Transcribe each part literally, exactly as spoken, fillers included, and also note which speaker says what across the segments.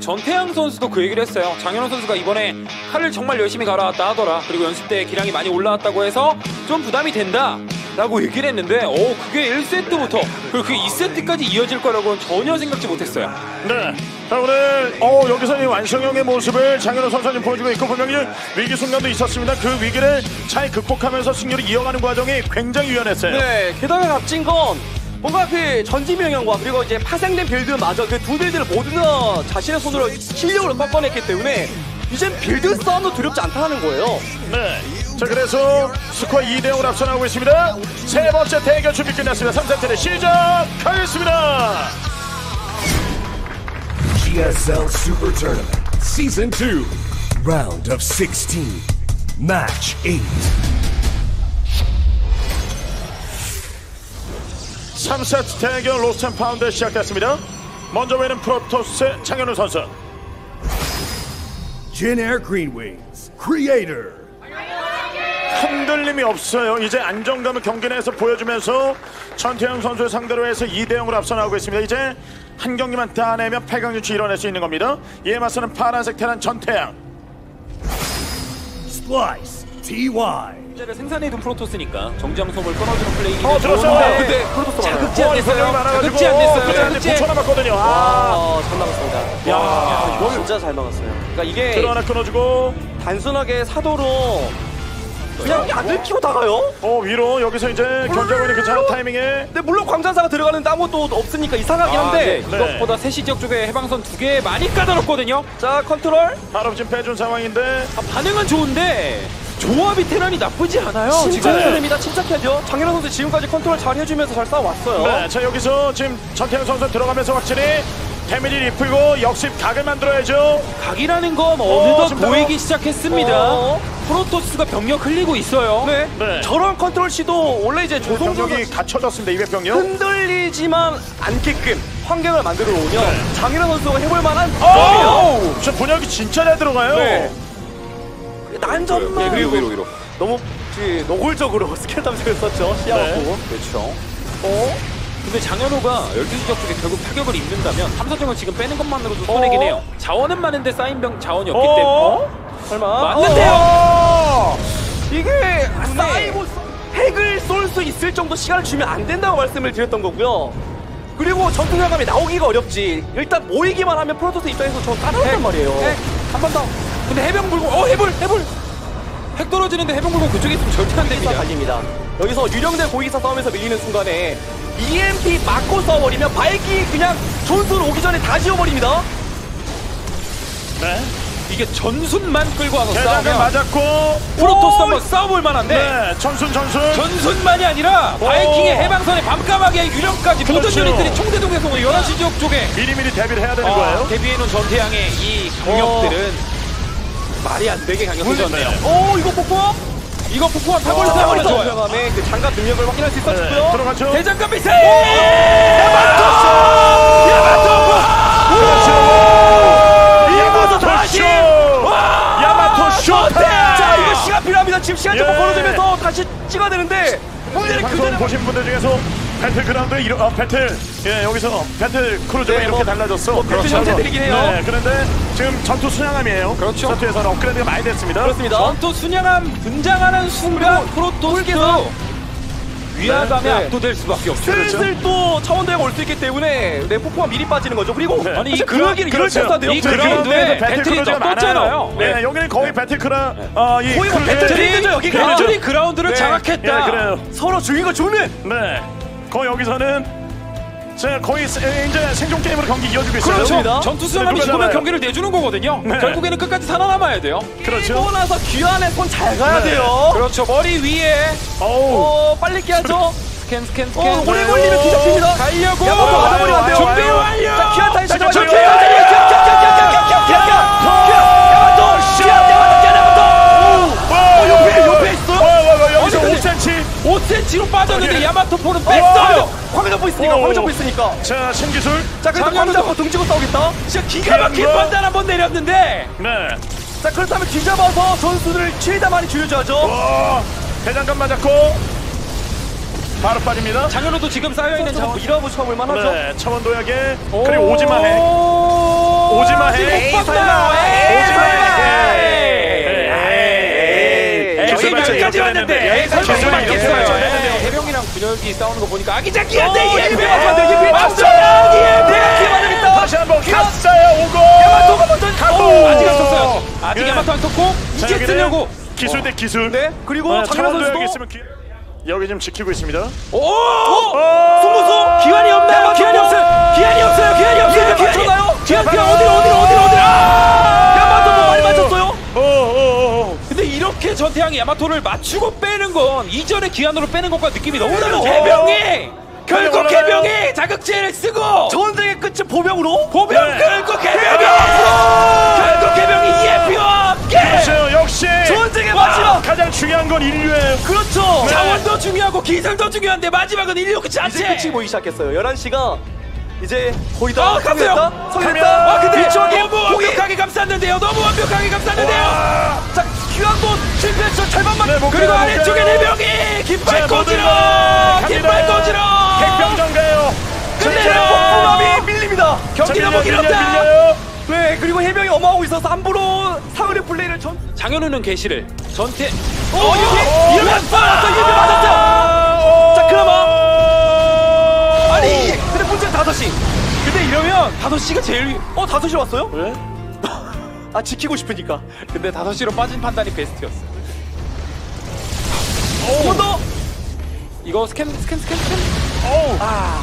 Speaker 1: 전태양 선수도 그 얘기를 했어요. 장현우 선수가 이번에 칼을 정말 열심히 갈아왔다 하더라. 그리고 연습 때 기량이 많이 올라왔다고 해서 좀 부담이 된다 라고 얘기를 했는데 오 그게 일 세트부터 그리고 그게 이 세트까지 이어질 거라고는 전혀 생각지 못했어요.
Speaker 2: 네. 자 오늘 어, 여기서 이 완성형의 모습을 장현우 선수님 보여주고 있고 분명히 위기 순간도 있었습니다. 그 위기를 잘 극복하면서 승리를 이어가는 과정이 굉장히 유연했어요.
Speaker 3: 네, 게다가 값진 건 뭔가 그 전지 명령과 그리고 이제 파생된 빌드마저 그 두 빌드를 모두 다 자신의 손으로 실력으로 꺾어냈기 때문에 이젠 빌드 싸움도 두렵지 않다는 거예요.
Speaker 2: 네. 자 그래서 스코어 이 대 영으로 앞서나가고 있습니다. 세 번째 대결 준비 끝났습니다. 삼 세트를 시작하겠습니다.
Speaker 4: 지에스엘 Super Tournament Season two Round of sixteen Match eight
Speaker 2: 삼 세트 대결 로스트 앤 파운드 시작됐습니다. 먼저 보이는 프로토스 장현우 선수.
Speaker 4: Jin Air Green Wings Creator
Speaker 2: 흔들림이 없어요. 이제 안정감을 경기 내에서 보여주면서 전태양 선수를 상대로 해서 이 대 영으로 앞서 나오고 있습니다. 이제 한 경기만 따내면 팔 강 진출 이뤄낼 수 있는 겁니다. 이에 맞서는 파란색 테란 전태양.
Speaker 4: Splice 티와이
Speaker 1: 를 생산해둔 프로토스니까 정지함솜을 끊어주는 플레이는
Speaker 2: 어 들었어요.
Speaker 1: 좋은데
Speaker 3: 근데 프로토스
Speaker 1: 자극지 안
Speaker 2: 어,
Speaker 1: 됐어요.
Speaker 2: 많아가지고
Speaker 1: 자극지 안 됐어요.
Speaker 2: 그냥
Speaker 1: 자극지.
Speaker 2: 구 초 남았거든요. 아,
Speaker 3: 아, 잘 막았습니다.
Speaker 2: 야,
Speaker 3: 야, 이거 진짜 잘 막았어요. 그러니까 이게
Speaker 2: 들어 하나 끊어주고
Speaker 3: 단순하게 사도로 그냥 안 들키고 다가요?
Speaker 2: 어 위로 여기서 이제 견제하고 있는 괜찮은 타이밍에
Speaker 3: 근데 물론 광전사가 들어가는데 아무것도 없으니까 이상하긴 한데
Speaker 1: 아, 네.
Speaker 2: 네.
Speaker 1: 이것보다 세시 지역 쪽에 해방선 두 개 많이 까다롭거든요.
Speaker 3: 자 컨트롤
Speaker 2: 바로 지금 빼준 상황인데
Speaker 1: 아, 반응은 좋은데 조합이 테란이 나쁘지 않아요. 지금.
Speaker 3: 침착해야 됩니다. 침착해야죠. 장현우 선수 지금까지 컨트롤 잘 해주면서 잘 싸워왔어요.
Speaker 2: 네, 자 여기서 지금 전태양 선수 들어가면서 확실히 데미지를 입히고 역습 각을 만들어야죠.
Speaker 1: 각이라는 건 어느덧
Speaker 2: 지금
Speaker 1: 보이기 시작했습니다.
Speaker 3: 어.
Speaker 1: 프로토스가 병력 흘리고 있어요.
Speaker 3: 네.
Speaker 2: 네.
Speaker 3: 저런 컨트롤 시도 원래 이제 조성조가
Speaker 2: 병력이 갖춰졌습니다. 이백 병력.
Speaker 3: 흔들리지만 않게끔 환경을 만들어 놓으면 장현우 선수가 해볼 만한
Speaker 2: 오! 저 분열기 진짜 잘 들어가요.
Speaker 3: 네. 난전만
Speaker 1: 네, 위로 위로 위로.
Speaker 3: 너무 그 노골적으로 스킬 탐색을 썼죠. 시야갖고
Speaker 2: 네.
Speaker 1: 그렇죠.
Speaker 3: 어?
Speaker 1: 근데 장현우가 열두 시 지역 쪽에 결국 타격을 입는다면 탐사정을 지금 빼는 것만으로도 손해긴 해요. 자원은 많은데 쌓인 병 자원이 없기 때문에 어?
Speaker 3: 설마
Speaker 1: 맞는데요?
Speaker 3: 어! 이게 쌓이고 핵을 쏠 수 있을 정도 시간을 주면 안 된다고 말씀을 드렸던 거고요. 그리고 전투장감이 나오기가 어렵지. 일단 모이기만 하면 프로토스 입장에서 저 까다롭단 말이에요.
Speaker 1: 한 번 더. 근데 해병 불고 어 해불 해불. 핵 떨어지는데 해병 불고 그쪽에 있으면 절대 안 됩니다.
Speaker 3: 달립니다. 여기서 유령대 고위기사 싸움에서 밀리는 순간에 이엠피 맞고 싸워버리면 바이킹이 그냥 전술 오기 전에 다 지워버립니다.
Speaker 2: 네.
Speaker 1: 이게 전순만 끌고 와서
Speaker 2: 대장을
Speaker 1: 싸우면
Speaker 2: 맞았고
Speaker 1: 프로토스 한번 싸워볼 만한데
Speaker 2: 네, 전순 전순.
Speaker 1: 전순만이 아니라
Speaker 2: 오.
Speaker 1: 바이킹의 해방선에 밤까마귀의 유령까지 모든
Speaker 2: 그렇죠.
Speaker 1: 유닛들이 총대동에서 열한 시 지역 쪽에
Speaker 2: 미리미리 대비를 해야 되는
Speaker 1: 아,
Speaker 2: 거예요.
Speaker 1: 데뷔해놓은 전태양의 이 강력들은 말이 안 되게 강력해졌네요.
Speaker 3: 오 이거 폭포?
Speaker 1: 이거 폭포한 타버리 타버리 좋아요.
Speaker 3: 전투장감의 그 장갑 능력을 확인할 수
Speaker 2: 네,
Speaker 3: 있었고요.
Speaker 2: 들어가죠.
Speaker 1: 대장간 미세!
Speaker 2: 야마토 다시 야마토 쇼.
Speaker 3: 자 이거 시간 필요합니다. 지금 시간 좀
Speaker 2: 예.
Speaker 3: 벌어주면서 다시 찍어야 되는데 문제는
Speaker 2: 방송
Speaker 3: 그대로
Speaker 2: 보신 분들 중에서 배틀그라운드 이런 어, 배틀 예 여기서 배틀 크루즈가
Speaker 3: 네,
Speaker 2: 이렇게
Speaker 3: 뭐,
Speaker 2: 달라졌어.
Speaker 3: 뭐 배틀 형태들이긴 해요.
Speaker 2: 네, 그런데 지금 전투 순양함이에요.
Speaker 1: 그렇죠.
Speaker 2: 전투에서는 업그레이드가 많이 됐습니다.
Speaker 3: 그렇습니다.
Speaker 1: 전투 순양함 등장하는 순간 프로토스도 위화감에
Speaker 2: 네.
Speaker 1: 압도될 수밖에 없죠.
Speaker 3: 슬슬 또 차원대가 올 수 있기 때문에 내 폭포가 미리 빠지는 거죠. 그리고
Speaker 2: 네.
Speaker 1: 아니, 이
Speaker 3: 사실
Speaker 1: 그라-
Speaker 3: 그러기를 이럴
Speaker 2: 그렇죠.
Speaker 3: 때도 돼요.
Speaker 1: 이
Speaker 2: 그
Speaker 1: 그라운드에
Speaker 2: 그라운드에
Speaker 1: 배틀이
Speaker 2: 크루즈가
Speaker 1: 떴잖아요.
Speaker 2: 많아요. 네, 여기는 거의 배틀크라 어, 이
Speaker 3: 거의 뭐
Speaker 2: 크루즈의-
Speaker 3: 배틀이 되죠, 여기가.
Speaker 1: 배틀이 그라운드를
Speaker 3: 네.
Speaker 1: 장악했다.
Speaker 2: 예, 그래요.
Speaker 3: 서로 죽인 거 죽는.
Speaker 2: 네, 거의 여기서는 자 거의 세- 이제 생존 게임으로 경기 이어지고 있어요.
Speaker 3: 그렇습니다.
Speaker 1: 전투 수양함이
Speaker 2: 누가
Speaker 1: 죽으면
Speaker 2: 잡아요?
Speaker 1: 경기를 내주는 거거든요.
Speaker 2: 네.
Speaker 1: 결국에는 끝까지 살아남아야 돼요.
Speaker 2: 그렇죠.
Speaker 3: 또 나서 귀환에 손 잘 가야
Speaker 2: 네.
Speaker 3: 돼요.
Speaker 1: 그렇죠. 머리 위에
Speaker 2: 어우.
Speaker 3: 어 빨리 깨야죠.
Speaker 1: 스캔 스캔
Speaker 3: 어
Speaker 1: 스캔.
Speaker 3: 오래 걸리면 뒤잡힙니다.
Speaker 1: 가려고.
Speaker 3: 야마토 맞아버리면 안 돼요.
Speaker 1: 준비
Speaker 2: 와요.
Speaker 1: 완료.
Speaker 3: 자 귀환 타임
Speaker 2: 잠깐,
Speaker 3: 잠깐만.
Speaker 2: 잠깐,
Speaker 3: 어 옆에 옆에 있어요.
Speaker 2: 와와와 여기서
Speaker 3: 어디,
Speaker 2: 오 센티미터.
Speaker 1: 오 센티미터로 빠졌는데
Speaker 2: 예.
Speaker 1: 야마토포는
Speaker 3: 어,
Speaker 1: 뺐어요.
Speaker 3: 광을 잡고 있으니까
Speaker 2: 오.
Speaker 3: 광을 잡고 있으니까.
Speaker 2: 자 신기술.
Speaker 3: 자 그래도 광 잡고 등지고 싸우겠다.
Speaker 1: 진짜 기가 막힌
Speaker 2: 귀한 거.
Speaker 1: 판단 한 번 내렸는데
Speaker 2: 네.
Speaker 3: 자 그렇다면 뒤잡아서 전수들을 최대한 많이 줄여줘야죠.
Speaker 2: 와 대장간 맞았고. 바로 빠집니다.
Speaker 1: 장현우도 지금 쌓여있는
Speaker 3: 좀
Speaker 1: 자원
Speaker 3: 밀어붙여 볼만 하죠.
Speaker 2: 네, 차원 도약에 그리고 오지마 해. 오지마 해.
Speaker 1: 못 봤나?
Speaker 2: 오지마 해.
Speaker 1: 기술 여기까지 왔는데 에이, 설마
Speaker 2: 기술이
Speaker 1: 설마
Speaker 2: 이렇게
Speaker 1: 있겠어요.
Speaker 2: 발전했는데요.
Speaker 1: 에이, 해병이랑 분열기 싸우는 거 보니까 아기자기한데
Speaker 3: 어,
Speaker 1: 이에
Speaker 3: 이에
Speaker 1: 맞춰요.
Speaker 3: 맞춰요.
Speaker 1: 이에
Speaker 2: 다시 한번 갔어요. 오고.
Speaker 3: 야마토가 먼저
Speaker 2: 가고.
Speaker 1: 아직 안 썼어요. 아직
Speaker 2: 예.
Speaker 1: 야마토 안 썼고
Speaker 2: 자,
Speaker 1: 이제
Speaker 2: 여기는
Speaker 1: 쓰려고.
Speaker 2: 기술 대 기술.
Speaker 3: 네. 그리고
Speaker 2: 어,
Speaker 3: 장현
Speaker 2: 차원 도약이
Speaker 3: 선수도
Speaker 2: 있으면 기... 여기 지금 지키고 있습니다.
Speaker 1: 오!
Speaker 3: 승부수
Speaker 1: 기한이 없나요? 기한이 없어요. 기한이 없어요. 기한이 없어요. 기한이
Speaker 3: 맞췄나요?
Speaker 1: 기한 기한 어디로 어디로 어디로 어디로.
Speaker 3: 야마토도 많이 맞췄어요.
Speaker 2: 오오오.
Speaker 1: 근데 이렇게 전태양이 야마토를 맞추고 빼는 건 이전에 기한으로 빼는 것과 느낌이 너무 다르죠.
Speaker 2: 어.
Speaker 1: 해병이 결국
Speaker 2: 올라가요.
Speaker 1: 해병이 자극제를 쓰고
Speaker 3: 전쟁의 끝은 보병으로.
Speaker 1: 보병
Speaker 2: 네.
Speaker 1: 결국 해병이 결국 해병이 이에피와 함께
Speaker 2: 그렇죠. 역시
Speaker 3: 전쟁의
Speaker 1: 와.
Speaker 3: 마지막.
Speaker 2: 가장 중요한 건 인류예요.
Speaker 3: 그렇죠.
Speaker 2: 네.
Speaker 1: 자원도 중요하고 기술도 중요한데 마지막은 인류 그
Speaker 3: 이제
Speaker 1: 자체.
Speaker 3: 끝이 보이기 시작했어요. 열한 시가 이제 거의 다
Speaker 1: 아, 갔어요.
Speaker 3: 성공했다. 성공했다.
Speaker 2: 가면.
Speaker 1: 아 근데
Speaker 3: 일정하게
Speaker 1: 너무 완벽하게 감쌌는데요. 너무 완벽하게 감쌌는데요.
Speaker 3: 자, 귀환도 실패했죠. 절반만.
Speaker 2: 네, 못
Speaker 1: 그리고
Speaker 2: 가요, 못
Speaker 1: 아래쪽에
Speaker 2: 가요.
Speaker 1: 해병이 깃발
Speaker 2: 자,
Speaker 1: 꽂으러
Speaker 2: 모두
Speaker 1: 깃발
Speaker 2: 갑니다.
Speaker 1: 꽂으러
Speaker 2: 핵병전가요.
Speaker 1: 끝내요.
Speaker 3: 폭풍함이 밀립니다.
Speaker 1: 경기 너무 길었다.
Speaker 2: 밀려요.
Speaker 3: 네, 그리고 해병이 엄하고 있어서 함부로 사흘의 플레이를 전.
Speaker 1: 장현우는 개시를 전태.
Speaker 3: 오,
Speaker 1: 어,
Speaker 3: 여기
Speaker 1: 이러면
Speaker 3: 맞았어. 예비 맞았어요. 자, 그나마. 아니, 근데 문제는 다섯 시.
Speaker 1: 근데 이러면 다섯 시가 제일 위-
Speaker 3: 어, 다섯 시로 왔어요?
Speaker 2: 왜?
Speaker 3: 아, 지키고 싶으니까.
Speaker 1: 근데 다섯 시로 빠진 판단이 베스트였어.
Speaker 3: 한 번 더.
Speaker 1: 이거 스캔 스캔 스캔 스캔.
Speaker 2: 어우.
Speaker 3: 아.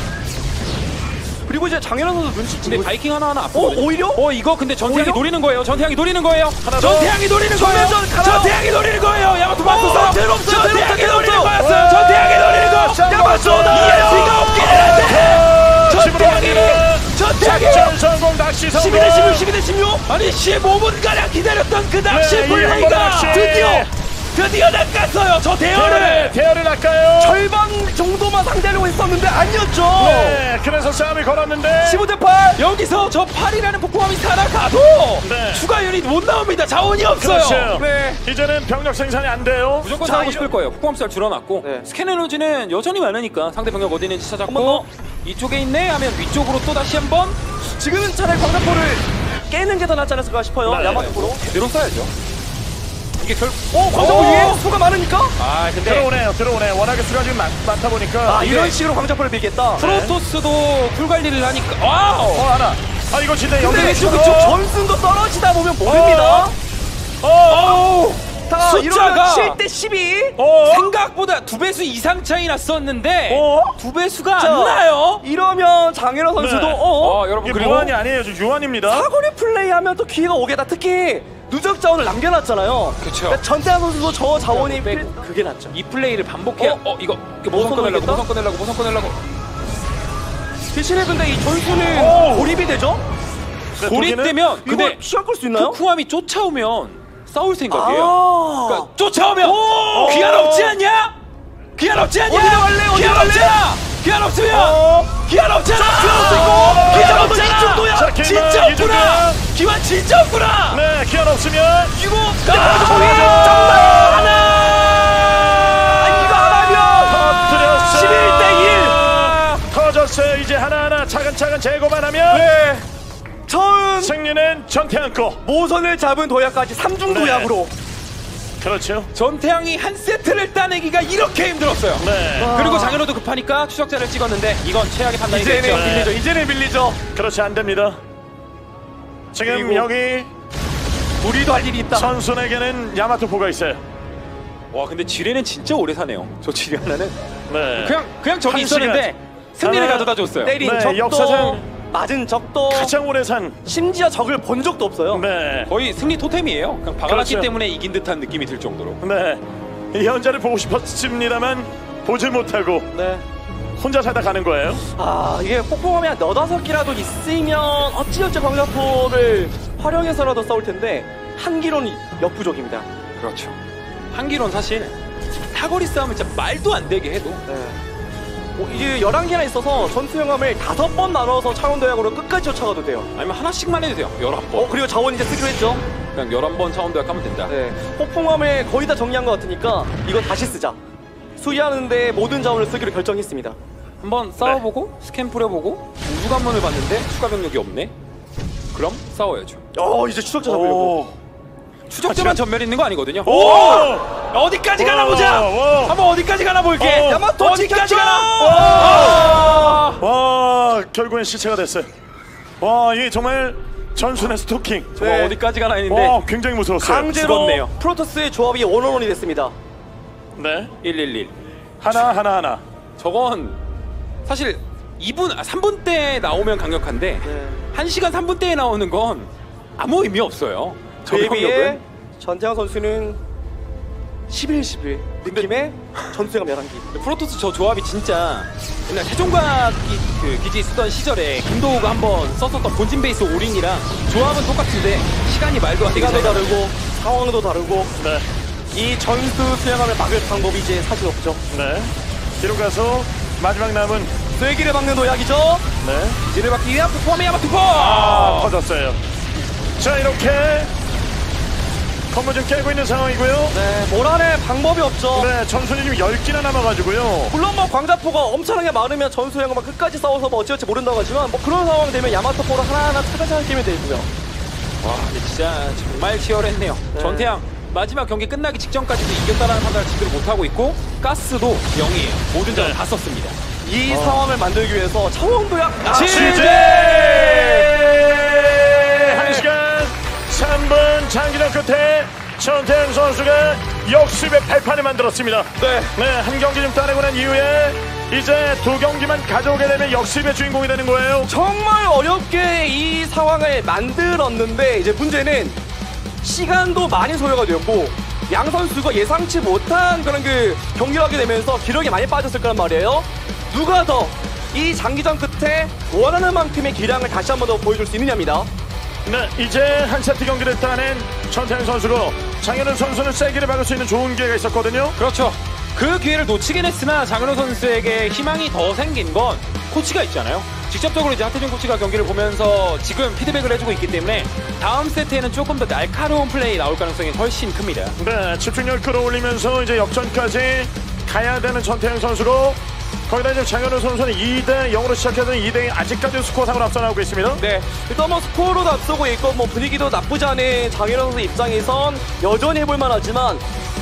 Speaker 3: 그리고 이제 장현환 선수 눈치
Speaker 1: 근데
Speaker 3: 채고.
Speaker 1: 바이킹 하나 하나
Speaker 3: 어,
Speaker 1: 아프거든요.
Speaker 3: 오히려?
Speaker 1: 어 이거 근데 전태양이
Speaker 3: 오히려?
Speaker 1: 노리는 거예요. 전태양이 노리는 거예요.
Speaker 2: 하나 더.
Speaker 1: 전태양이 노리는 거예요.
Speaker 3: 전면전 가나요?
Speaker 1: 전태양이 노리는 거예요. 야마토 맞았어.
Speaker 3: 어, 대로 없어요, 대로
Speaker 1: 전태양이
Speaker 3: 없어요,
Speaker 1: 노리는
Speaker 3: 대로 없어요.
Speaker 1: 거였어요. 전태양이 노리는 거.
Speaker 2: 자,
Speaker 3: 야마토다.
Speaker 1: 이해수가 없긴 한데. 전태양이 전태양이
Speaker 2: 작전 성공 낚시 성공.
Speaker 3: 십이 대 십육, 십이 대 십육.
Speaker 1: 아니 십오 분가량 기다렸던 그 낚시
Speaker 2: 네, 이한
Speaker 1: 플레이가
Speaker 2: 번 낚시.
Speaker 1: 드디어 드디어 낚았어요. 저 대열을.
Speaker 2: 대열을 대열을 낚아요.
Speaker 3: 절반 정도만 상대하려고 했었는데 아니었죠.
Speaker 2: 네, 그래서 싸움이 걸었는데.
Speaker 3: 십오 대 팔.
Speaker 1: 여기서 저 팔이라는 폭포함이 살아가도
Speaker 2: 네.
Speaker 1: 추가 유닛 못 나옵니다. 자원이 없어요.
Speaker 2: 그렇죠.
Speaker 3: 네.
Speaker 2: 이제는 병력 생산이 안 돼요.
Speaker 1: 무조건
Speaker 3: 자,
Speaker 1: 싸우고
Speaker 3: 이런-
Speaker 1: 싶을 거예요. 폭포함살 줄어놨고
Speaker 3: 네.
Speaker 1: 스캔 에너지는 여전히 많으니까 상대 병력 어디 있는지
Speaker 3: 한번
Speaker 1: 찾았고 이쪽에 있네 하면 위쪽으로 또 다시 한번
Speaker 3: 지금은 차라리 광자포를 깨는 게 더 낫지 않았을까 싶어요.
Speaker 2: 네.
Speaker 3: 야마토로.
Speaker 1: 제대로 써야죠. 이게 결
Speaker 3: 어, 광자포
Speaker 1: 오!
Speaker 3: 위에 수가 많으니까.
Speaker 1: 아 근데
Speaker 2: 들어오네요, 들어오네. 워낙에 수가 지금 많, 많다 보니까.
Speaker 3: 아,
Speaker 1: 이게-
Speaker 3: 이런 식으로 광자포를 밀겠다.
Speaker 1: 프로토스도 풀 관리를 하니까 와우.
Speaker 2: 어, 하나. 아, 이거 진짜 여기.
Speaker 3: 근데
Speaker 1: 그쪽,
Speaker 3: 그쪽
Speaker 1: 그쪽.
Speaker 3: 전승도 떨어지다 보면 모릅니다.
Speaker 2: 어,
Speaker 3: 다
Speaker 1: 숫자가
Speaker 3: 이러면 칠 대 십이.
Speaker 2: 어,
Speaker 1: 생각보다 두 배수 이상 차이 났었는데
Speaker 2: 어?
Speaker 1: 두 배수가
Speaker 3: 자,
Speaker 1: 안 나요.
Speaker 3: 이러면 장현호 선수도
Speaker 2: 네.
Speaker 3: 어,
Speaker 1: 어 여러분
Speaker 2: 이게
Speaker 1: 그리고
Speaker 2: 무한이 아니에요, 지금 유한입니다.
Speaker 3: 사거리 플레이하면 또 기회가 오겠다. 특히 누적 자원을 남겨놨잖아요.
Speaker 1: 그쵸.
Speaker 3: 그러니까 전태환 선수도 저 자원이
Speaker 1: 빼고.
Speaker 3: 필- 그게 낫죠.
Speaker 1: 이 플레이를 반복해야
Speaker 3: 어?
Speaker 1: 어, 이거 이거
Speaker 3: 모선
Speaker 1: 모선 꺼내려고
Speaker 3: 꺼내겠다?
Speaker 1: 모선 꺼내려고 모선 꺼내려고
Speaker 3: 대신에 근데 이 전투는
Speaker 2: 오!
Speaker 3: 고립이 되죠?
Speaker 2: 네,
Speaker 1: 고립되면
Speaker 3: 이거
Speaker 1: 근데
Speaker 3: 시간 끌 수 있나요?
Speaker 1: 쿠쿠함이 쫓아오면 싸울 생각이에요.
Speaker 3: 아,
Speaker 1: 그러니까 쫓아오면 귀한 없지 않냐? 귀한 없지 않냐?
Speaker 3: 어디로 갈래? 어디로
Speaker 1: 귀한
Speaker 3: 갈래?
Speaker 1: 없잖아. 귀한 없으면
Speaker 2: 어.
Speaker 1: 귀한 없잖아.
Speaker 2: 어.
Speaker 1: 귀한
Speaker 3: 어.
Speaker 1: 없잖아.
Speaker 3: 이 정도야.
Speaker 2: 자, 기만,
Speaker 1: 진짜
Speaker 2: 이
Speaker 1: 없구나.
Speaker 2: 정도야.
Speaker 1: 기환 진짜 없구나.
Speaker 2: 네, 기한 없으면.
Speaker 3: 이거
Speaker 1: 아,
Speaker 3: 정말 하나. 아, 이거 하나면
Speaker 2: 터뜨렸어요.
Speaker 3: 십일 대 일.
Speaker 2: 터졌어요. 이제 하나하나 차근차근 제거만 하면.
Speaker 3: 네. 처음
Speaker 2: 승리는 전태양 거.
Speaker 3: 모선을 잡은 도약까지 삼중
Speaker 2: 네.
Speaker 3: 도약으로.
Speaker 2: 그렇죠.
Speaker 1: 전태양이 한 세트를 따내기가 이렇게 힘들었어요.
Speaker 2: 네.
Speaker 1: 그리고 장현호도 급하니까 추적자를 찍었는데 이건 최악의 판단이 됐죠.
Speaker 3: 이제는
Speaker 2: 네.
Speaker 3: 밀리죠. 이제는 밀리죠.
Speaker 2: 그렇지, 안 됩니다. 지금
Speaker 3: 그리고-
Speaker 2: 여기
Speaker 3: 우리도 할 일이 있다.
Speaker 2: 선순에게는 야마토포가 있어요.
Speaker 1: 와 근데 지뢰는 진짜 오래 사네요. 저 지뢰 하나는
Speaker 2: 네.
Speaker 1: 그냥 그냥 저기
Speaker 2: 한
Speaker 1: 있었는데
Speaker 2: 시간.
Speaker 1: 승리를
Speaker 2: 하나,
Speaker 1: 가져다 줬어요.
Speaker 3: 때린
Speaker 2: 네,
Speaker 3: 적도
Speaker 2: 역사상
Speaker 3: 맞은 적도
Speaker 2: 가장 오래 산.
Speaker 3: 심지어 적을 본 적도 없어요.
Speaker 2: 네.
Speaker 1: 거의 승리 토템이에요. 그냥 박아놨기
Speaker 2: 그렇죠.
Speaker 1: 때문에 이긴 듯한 느낌이 들 정도로.
Speaker 2: 네. 이 현자를 보고 싶었습니다만 보질 못하고
Speaker 3: 네.
Speaker 2: 혼자 살다 가는 거예요.
Speaker 3: 아 이게 폭풍함이 한 너다섯 개라도 있으면 어찌어찌 광자포를 활용해서라도 싸울 텐데 한 기로는 역부족입니다.
Speaker 1: 그렇죠. 한기론 사실 사거리 싸움을 진짜 말도 안 되게 해도
Speaker 3: 네. 어, 이제 열한 개나 있어서 전투영함을 다섯 번 나눠서 차원도약으로 끝까지 쫓아가도 돼요.
Speaker 1: 아니면 하나씩만 해도 돼요. 열한 번.
Speaker 3: 어 그리고 자원 이제 쓰기로 했죠.
Speaker 1: 그냥 열한 번 차원도약 하면 된다.
Speaker 3: 네. 폭풍함을 거의 다 정리한 것 같으니까 이거 다시 쓰자. 수리하는데 모든 자원을 쓰기로 결정했습니다.
Speaker 1: 한번 싸워보고 스캔 뿌려보고 우주관문을 봤는데 추가 병력이 없네. 그럼 싸워야죠.
Speaker 3: 어 이제 추적자 잡으려고.
Speaker 2: 오.
Speaker 1: 추적자만 전멸 있는 거 아니거든요.
Speaker 2: 오!
Speaker 1: 어디까지 가나
Speaker 2: 오!
Speaker 1: 보자.
Speaker 2: 오!
Speaker 1: 한번 어디까지 가나 볼게.
Speaker 2: 오!
Speaker 3: 야마토
Speaker 1: 어디까지
Speaker 3: 지켰죠?
Speaker 1: 가나.
Speaker 2: 와! 와, 결국엔 시체가 됐어요. 와, 이게 정말 전순의 스토킹.
Speaker 1: 정말
Speaker 3: 네.
Speaker 1: 어디까지 가나 했는데
Speaker 2: 와, 굉장히 무서웠어요.
Speaker 3: 강제로
Speaker 1: 죽었네요.
Speaker 3: 프로토스의 조합이 원원원이 됐습니다.
Speaker 2: 네.
Speaker 1: 일일일.
Speaker 2: 하나 하나 하나.
Speaker 1: 저건 사실 이 분, 아, 삼 분 때 나오면 강력한데
Speaker 3: 네.
Speaker 1: 한 시간 삼 분 때에 나오는 건 아무 의미 없어요. 저
Speaker 3: 그에 비해
Speaker 1: 병력은.
Speaker 3: 전태양 선수는 십일 십일 느낌의 전투형 열한 기.
Speaker 1: 프로토스 저 조합이 진짜 옛날 세종과 기, 그 기지 쓰던 시절에 김도우가 한번 썼었던 본진 베이스 올인이랑 조합은 똑같은데 시간이 말도 안 되게
Speaker 3: 시간도
Speaker 1: 잘
Speaker 3: 다르고 상황도 다르고
Speaker 2: 네.
Speaker 3: 이 전투 수행함을 막을 방법이 이제 사실 없죠.
Speaker 2: 네. 뒤로 가서 마지막 남은
Speaker 3: 쐐기를 막는 도약이죠.
Speaker 2: 네.
Speaker 1: 기지를 받기 위한 포함의 야마투포!
Speaker 2: 아, 터졌어요. 자, 이렇게 건물 좀 깨고 있는 상황이고요.
Speaker 3: 네, 몰아낼 방법이 없죠.
Speaker 2: 네, 전순이 지금 열 개나 남아가지고요.
Speaker 3: 물론 뭐 광자포가 엄청나게 많으면 전수형만 끝까지 싸워서 뭐 어찌어찌 모른다고 하지만 뭐 그런 상황 되면 야마토포를 하나하나 찾아서 끼면 되고요.
Speaker 1: 와, 근데 진짜 정말 치열했네요.
Speaker 3: 네.
Speaker 1: 전태양 마지막 경기 끝나기 직전까지도 이겼다라는 판단을 제대로 못하고 있고 가스도 영이에요. 모든 자원
Speaker 2: 네.
Speaker 1: 다 썼습니다.
Speaker 3: 이 상황을 만들기 위해서 차원도약
Speaker 2: 아, 취재! 한 시간 삼 분 장기전 끝에 전태양 선수가 역습의 발판을 만들었습니다.
Speaker 3: 네.
Speaker 2: 네, 한 경기 좀 따내고 난 이후에 이제 두 경기만 가져오게 되면 역습의 주인공이 되는 거예요.
Speaker 3: 정말 어렵게 이 상황을 만들었는데 이제 문제는 시간도 많이 소요가 되었고 양 선수가 예상치 못한 그런 그 경기를 하게 되면서 기력이 많이 빠졌을 거란 말이에요. 누가 더 이 장기전 끝에 원하는 만큼의 기량을 다시 한 번 더 보여줄 수 있느냐입니다.
Speaker 2: 네, 이제 한 세트 경기를 따낸 전태양 선수고 장현우 선수는 세기를 막을 수 있는 좋은 기회가 있었거든요.
Speaker 1: 그렇죠. 그 기회를 놓치긴 했으나 장현우 선수에게 희망이 더 생긴 건 코치가 있잖아요. 직접적으로 이제 하태준 코치가 경기를 보면서 지금 피드백을 해주고 있기 때문에 다음 세트에는 조금 더 날카로운 플레이 나올 가능성이 훨씬 큽니다.
Speaker 2: 네, 집중력 끌어올리면서 이제 역전까지 가야 되는 전태양 선수고 거기다 이제 장현우 선수는 이 대 영으로 시작해서 이 대 영 아직까지 스코어상으로 앞서 나오고 있습니다.
Speaker 3: 네, 일단 뭐 스코어로도 앞서고 있고 뭐 분위기도 나쁘지 않은 장현우 선수 입장에선 여전히 해볼 만하지만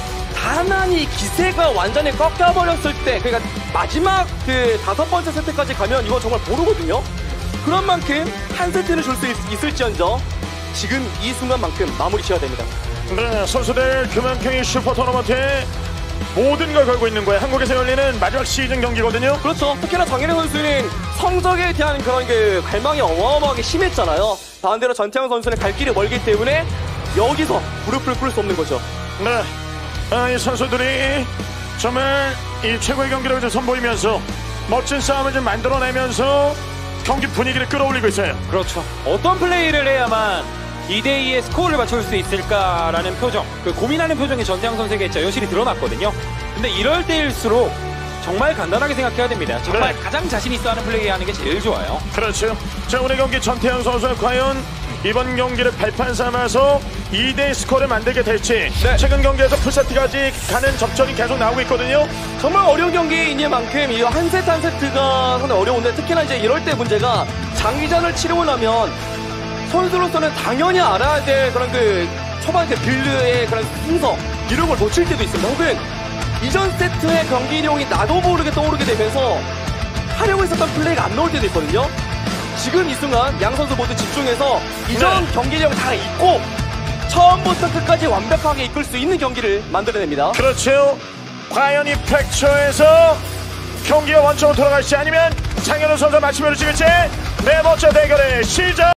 Speaker 3: 다만 이 기세가 완전히 꺾여버렸을 때 그러니까 마지막 그 다섯 번째 세트까지 가면 이건 정말 모르거든요. 그런 만큼 한 세트를 줄 수 있을지언정 지금 이 순간만큼 마무리 지어야 됩니다.
Speaker 2: 네, 선수들 그만큼이 슈퍼 토너먼트에 모든 걸 걸고 있는 거예요. 한국에서 열리는 마지막 시즌 경기거든요.
Speaker 3: 그렇죠. 특히나 장현우 선수는 성적에 대한 그런 그 갈망이 어마어마하게 심했잖아요. 반대로 전태양 선수는 갈 길이 멀기 때문에 여기서 무릎을 꿇을 수 없는 거죠.
Speaker 2: 네, 아, 이 선수들이 정말 이 최고의 경기력을 좀 선보이면서 멋진 싸움을 좀 만들어내면서 경기 분위기를 끌어올리고 있어요.
Speaker 1: 그렇죠. 어떤 플레이를 해야만 이 대 이의 스코어를 맞출 수 있을까라는 표정, 그 고민하는 표정이 전태양 선수에게 여실히 드러났거든요. 근데 이럴 때일수록 정말 간단하게 생각해야 됩니다. 정말
Speaker 2: 네.
Speaker 1: 가장 자신 있어 하는 플레이 하는 게 제일 좋아요.
Speaker 2: 그렇죠. 자, 오늘 경기 전태양 선수는 과연 이번 경기를 발판 삼아서 이 대 이 스코어를 만들게 될지.
Speaker 3: 네.
Speaker 2: 최근 경기에서 풀세트까지 가는 접전이 계속 나오고 있거든요.
Speaker 3: 정말 어려운 경기인 만큼 이 한 세트 한 세트가 상당히 어려운데 특히나 이제 이럴 때 문제가 장기전을 치르고 나면 선수로서는 당연히 알아야 될 그런 그 초반 그 빌드의 그런 순서 이런 걸 놓칠 때도 있습니다. 혹은 이전 세트의 경기 내용이 나도 모르게 떠오르게 되면서 하려고 했었던 플레이가 안 나올 때도 있거든요. 지금 이 순간 양 선수 모두 집중해서 이전
Speaker 2: 네.
Speaker 3: 경기 내용 다 잊고 처음부터 끝까지 완벽하게 이끌 수 있는 경기를 만들어냅니다.
Speaker 2: 그렇죠. 과연 이 팩처에서 경기가 원점으로 돌아갈지 아니면 장현우 선수 마침표를 찍을지 네 번째 대결의 시작.